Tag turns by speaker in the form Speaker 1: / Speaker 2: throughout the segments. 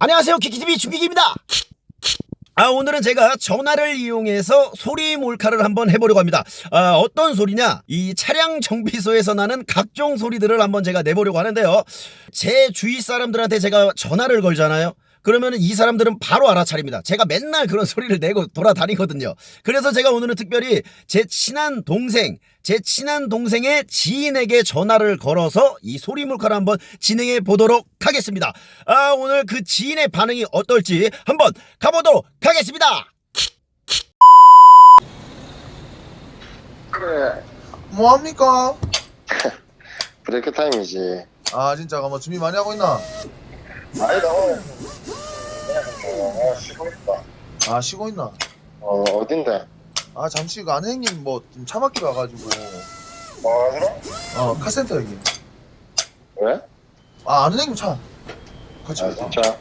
Speaker 1: 안녕하세요, 키키TV 준비기입니다. 오늘은 제가 전화를 이용해서 소리 몰카를 한번 해보려고 합니다. 어떤 소리냐, 이 차량 정비소에서 나는 각종 소리들을 한번 제가 내보려고 하는데요. 제 주위 사람들한테 제가 전화를 걸잖아요. 그러면 이 사람들은 바로 알아차립니다. 제가 맨날 그런 소리를 내고 돌아다니거든요. 그래서 제가 오늘은 특별히 제 친한 동생의 지인에게 전화를 걸어서 이 소리 몰카를 한번 진행해 보도록 하겠습니다. 오늘 그 지인의 반응이 어떨지 한번 가보도록 하겠습니다.
Speaker 2: 그래,
Speaker 3: 뭐합니까?
Speaker 2: 브레이크 타임이지.
Speaker 3: 아 진짜 뭐 준비 많이 하고 있나?
Speaker 2: 아니다, 오늘 그냥 쉬고 있다.
Speaker 3: 아 쉬고 있나?
Speaker 2: 어딘데?
Speaker 3: 아 잠시 그 아는 형님 뭐 좀 차 맡기러 와가지고
Speaker 2: 뭐 하시러?
Speaker 3: 카센터 여기.
Speaker 2: 왜?
Speaker 3: 아 아는 형님 차 같이
Speaker 2: 아,
Speaker 3: 올까?
Speaker 2: 진짜?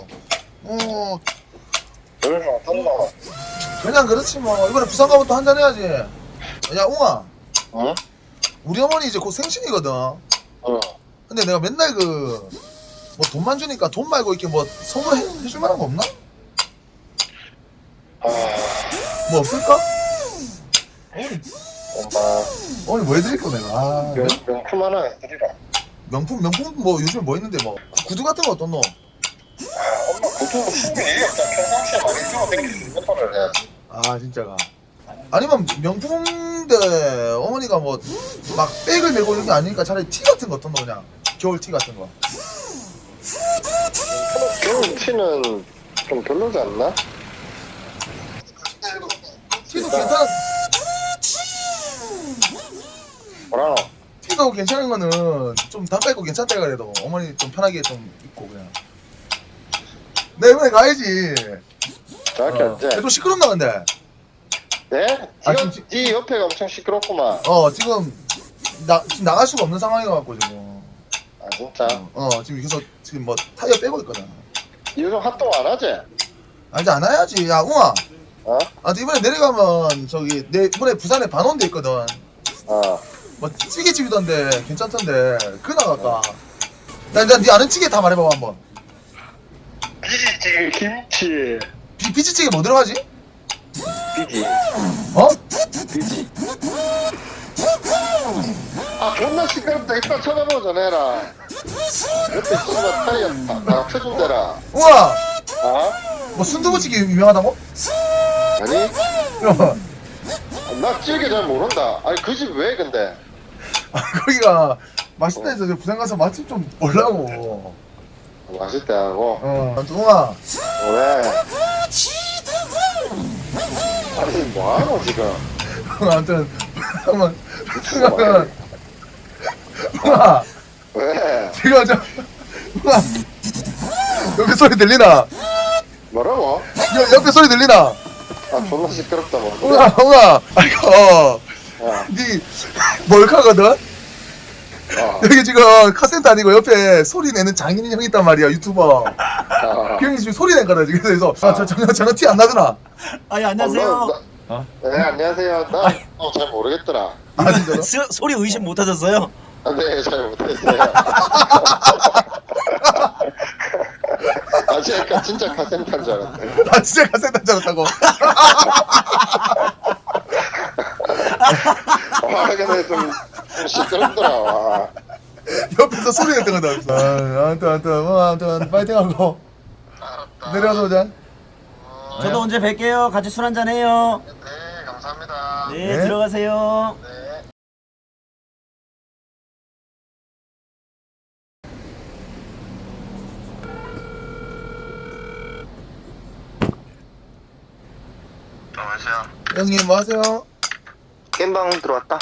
Speaker 2: 여기서 어떤다?
Speaker 3: 그냥 그렇지 뭐 이번에 부산 가면 또 한잔 해야지. 야 웅아,
Speaker 2: 응?
Speaker 3: 우리 어머니 이제 곧 생신이거든.
Speaker 2: 응.
Speaker 3: 근데 내가 맨날 그 뭐 돈만 주니까 돈 말고 이렇게 뭐 선물 해줄 만한 거 없나? 뭐 없을까?
Speaker 2: 엄마,
Speaker 3: 어머니 뭐 해드릴까 내가?
Speaker 2: 명품 하나 해드리라.
Speaker 3: 명품 뭐 요즘 뭐 있는데 뭐 구두 같은 거 어떤 너?
Speaker 2: 엄마, 보통 신경 일이 없다. 평상시에 많이 끼고 댕길 수 있는 거를 해야지.
Speaker 3: 아 진짜가 아니면 명품인데 어머니가 뭐 막 백을 메고 이런 게 아니니까 차라리 티 같은 거 어떤 거 그냥 겨울 티 같은 거.
Speaker 2: 겨울 티는 좀 별로지 않나?
Speaker 3: 티도 괜찮아.
Speaker 2: 뭐라노?
Speaker 3: 티도 괜찮은 거는 좀 단가 있고 괜찮다 그래도 어머니 좀 편하게 좀 입고 그냥. 내 이번에 가야지.
Speaker 2: 정확히 언제?
Speaker 3: 좀 시끄럽나 근데.
Speaker 2: 네?
Speaker 3: 아,
Speaker 2: 네 옆에가 엄청 시끄럽구만.
Speaker 3: 지금 지금 나갈 수가 없는 상황이어갖고 지금.
Speaker 2: 아, 진짜?
Speaker 3: 지금 여기서 지금 뭐 타이어 빼고 있거든.
Speaker 2: 요즘 활동 안 하지?
Speaker 3: 아 이제 안 와야지. 야 웅아.
Speaker 2: 어?
Speaker 3: 이번에 내려가면 저기 내 이번에 부산에 반원대 있거든.
Speaker 2: 어.
Speaker 3: 뭐 찌개집이던데 괜찮던데 그 나갈까? 네 아는 찌개 다 말해봐 한번.
Speaker 2: 비지찌개, 김치.
Speaker 3: 비지찌개 뭐 들어가지?
Speaker 2: 비지.
Speaker 3: 어?
Speaker 2: 비지. 아, 존나 시끄럽다. 이따 쳐다보자, 내라. 옆에 씨발 타이어 다 쳐준대라.
Speaker 3: 우와!
Speaker 2: 어?
Speaker 3: 뭐 순두부찌개 유명하다고?
Speaker 2: 아니?
Speaker 3: 어.
Speaker 2: 나 찌개 잘 모른다. 아니, 그 집 왜, 근데?
Speaker 3: 거기가 맛있다 해서 부산 가서 맛집 좀 보려고.
Speaker 2: 맛있대 하고.
Speaker 3: 아무튼 웅아
Speaker 2: 왜? 아니, 뭐하노, 지금?
Speaker 3: 아무튼 한번
Speaker 2: 미친 거 아니야?
Speaker 3: 웅아
Speaker 2: 왜?
Speaker 3: 지금 웅아 옆에 소리 들리나?
Speaker 2: 뭐라고?
Speaker 3: 옆에 소리 들리나?
Speaker 2: 아, 존나 시끄럽다, 뭐.
Speaker 3: 웅아 아이고
Speaker 2: 야,
Speaker 3: 니 몰카거든? 여기 지금 카센터 아니고 옆에 소리 내는 장인이 형 있단 말이야 유튜버. 그 형이 지금 소리 낸거다 지금. 그래서 전혀 티 안 나더나.
Speaker 1: 예, 안녕하세요.
Speaker 2: 네, 안녕하세요. 나 잘 모르겠더라.
Speaker 3: 아 진짜로?
Speaker 1: 소리 의심 못 하셨어요?
Speaker 2: 아, 네, 잘 못했어요. 아, 진짜 카센터인 줄 알았네.
Speaker 3: 아 진짜 카센터인 줄 알았다고.
Speaker 2: 와, 근데 좀 시끄럽더라. 와.
Speaker 3: 옆에서 소리 냈던 거다. 아무튼 파이팅하고 내려가서 오자.
Speaker 1: 저도 언제 뵐게요. 같이 술 한잔 해요.
Speaker 2: 네, 감사합니다.
Speaker 1: 네,
Speaker 3: 네.
Speaker 1: 들어가세요.
Speaker 2: 네. 안녕하세요.
Speaker 3: 형님 뭐 하세요?
Speaker 2: 겜방 들어왔다.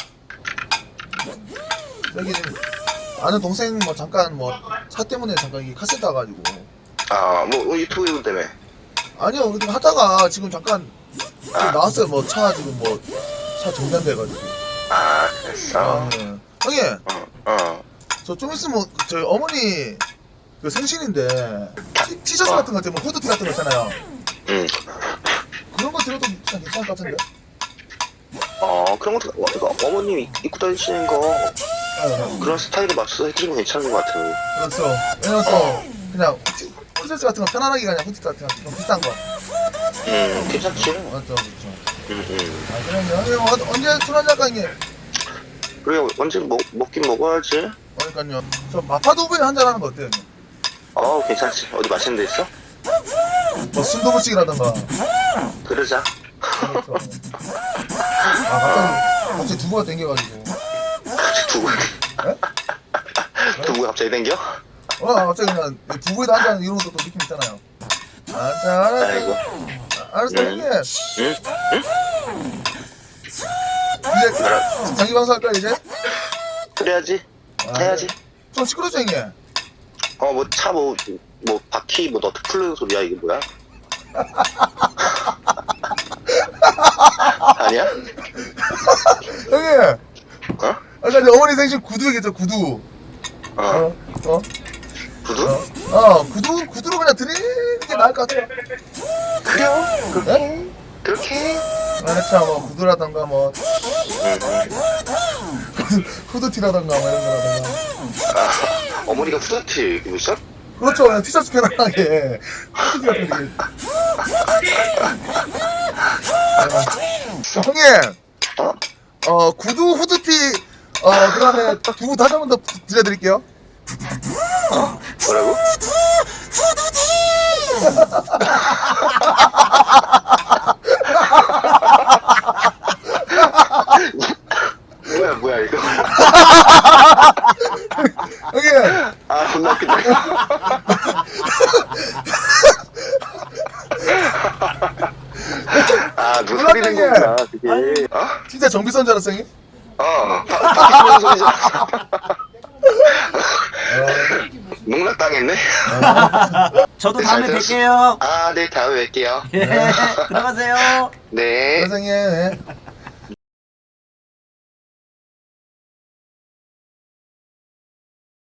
Speaker 3: 여기 아는 동생 뭐 잠깐 뭐 차 때문에 잠깐 이 카센터 와가지고.
Speaker 2: 아, 뭐 유튜브 때문에.
Speaker 3: 아니요 그냥 하다가 지금 잠깐 나왔어요. 뭐 차 지금 뭐 차 정단돼가지고.
Speaker 2: 아, 됐어.
Speaker 3: 네. 형님 저 좀 있으면 저희 어머니 그 생신인데 티셔츠 같은 거 있잖아요. 후드티 같은 거 있잖아요.
Speaker 2: 응.
Speaker 3: 그런 거 들어도 그냥 괜찮을 것 같은데.
Speaker 4: 그런 것도 어머님이 입고 다니시는 거 그런 스타일에 맞춰서 해드리면 괜찮은 것 같아요.
Speaker 3: 그렇죠. 왜냐면 또 그냥 풀세트 같은 거 편안하게 그냥 후드 같은 거 좀 비싼 거.
Speaker 4: 괜찮지?
Speaker 3: 맞죠, 그렇죠.
Speaker 4: 응.
Speaker 3: 아, 그럼요. 형님 언제 술 한잔 할까,
Speaker 4: 그래, 언제 먹긴 먹어야지.
Speaker 3: 그러니까요. 저 마파두부에 한잔 하는 거 어때요, 형님?
Speaker 4: 괜찮지. 어디 맛있는 데 있어?
Speaker 3: 뭐 순두부찌개라던가.
Speaker 4: 그러자.
Speaker 3: 그렇죠. 갑자기 두부가 땡겨가지고.
Speaker 4: 두부.
Speaker 3: 에?
Speaker 4: 두부가 갑자기 땡겨?
Speaker 3: 갑자기 그냥 두부에다 한잔 이런 것도 또 느낌 있잖아요. 알았어.
Speaker 4: 아이고.
Speaker 3: 알았어, 형님.
Speaker 4: 응?
Speaker 3: 이제 장기 방송 할까 이제?
Speaker 4: 그래야지. 해야지.
Speaker 3: 좀 시끄럽죠, 형님?
Speaker 4: 바퀴 너트 풀르는 소리야, 이게 뭐야? 아니야?
Speaker 3: 형님.
Speaker 4: 어?
Speaker 3: 아까 이제 어머니 생신 구두 얘기했죠, 구두.
Speaker 4: 구두?
Speaker 3: 구두로 그냥 드리는 게 나을 것 같아요.
Speaker 4: 그래요?
Speaker 3: 네?
Speaker 4: 그렇게?
Speaker 3: 그렇죠, 뭐 구두라던가 뭐 후드티라던가 뭐 이런 거라던가.
Speaker 4: 어머니가 후드티 입으셔?
Speaker 3: 그렇죠, 그냥 티셔츠 편안하게 후드티 같은 거 되게. 형님, 구두 후드티 그다음에 두부 다시 한 번 더 들려드릴게요.
Speaker 4: 뭐라고? 뭐야 이거?
Speaker 3: 형님.
Speaker 4: 존나 웃긴다. 누가 소리 낸거구나 그게.
Speaker 3: 진짜 정비선 줄 알았어, 형님?
Speaker 4: 바퀴 풀리는 소리잖아. 농락당했네.
Speaker 1: 저도
Speaker 4: 네,
Speaker 1: 다음에
Speaker 4: 잘 들었어.
Speaker 1: 뵐게요.
Speaker 4: 네, 다음에 뵐게요.
Speaker 1: 예, 들어가세요.
Speaker 4: 네.
Speaker 3: 선생님.